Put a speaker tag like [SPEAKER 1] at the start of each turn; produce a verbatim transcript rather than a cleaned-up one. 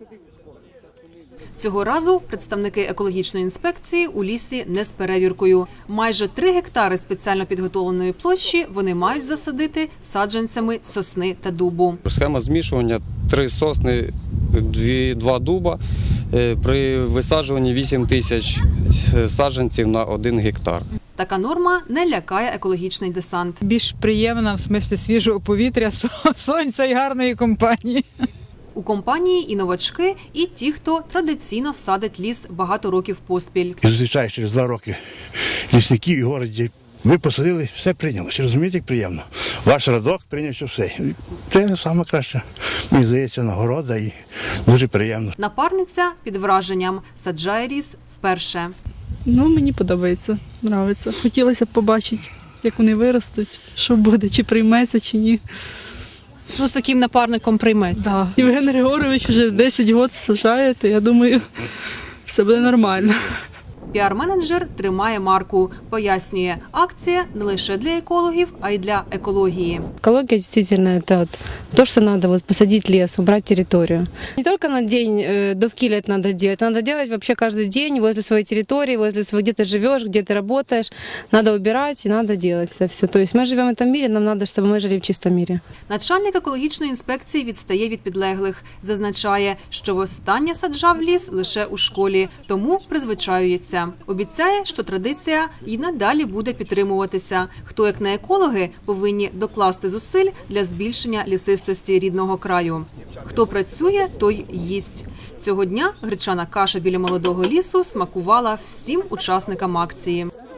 [SPEAKER 1] Цього разу представники екологічної інспекції у лісі не з перевіркою. Майже три гектари спеціально підготовленої площі вони мають засадити саджанцями сосни та дубу.
[SPEAKER 2] Схема змішування – три сосни, дві, два дуба. При висаджуванні вісім тисяч саджанців на один гектар.
[SPEAKER 1] Така норма не лякає екологічний десант.
[SPEAKER 3] Більш приємна в смислі свіжого повітря, сонця і гарної компанії.
[SPEAKER 1] У компанії і новачки, і ті, хто традиційно садить ліс багато років поспіль.
[SPEAKER 4] І зустрічаєш через два роки лісників і городі. Ви посадили, все прийняло. Чи розумієте, як приємно? Ваш радок прийняв все. Це найкраще, мені здається, нагорода і дуже приємно.
[SPEAKER 1] Напарниця під враженням саджає ліс вперше.
[SPEAKER 5] Ну, мені подобається, подобається. Хотілося б побачити, як вони виростуть, що буде, чи прийметься, чи ні.
[SPEAKER 6] Ну, з таким напарником прийметься.
[SPEAKER 5] Да. Євген Григорович вже десять років саджає, то я думаю, все буде нормально.
[SPEAKER 1] Піар-менеджер тримає марку. Пояснює, акція не лише для екологів, а й для екології.
[SPEAKER 7] Экология действительно это вот то, что надо вот посадить лес, убрать территорию. Не только на день э, довкиля это надо делать, надо делать вообще каждый день возле своей территории, возле своего, где ты живешь, где ты работаешь. Надо убирать и надо делать это все. То есть мы живем в этом мире, нам надо, чтобы мы жили в чистом мире.
[SPEAKER 1] Начальник екологічної інспекції відстає від підлеглих. Зазначає, що востаннє саджав ліс лише у школі, тому призвичаюється. Обіцяє, що традиція і надалі буде підтримуватися. Хто, як не екологи, повинні докласти зусиль для збільшення лісистості рідного краю. Хто працює, той їсть. Цього дня гречана каша біля молодого лісу смакувала всім учасникам акції.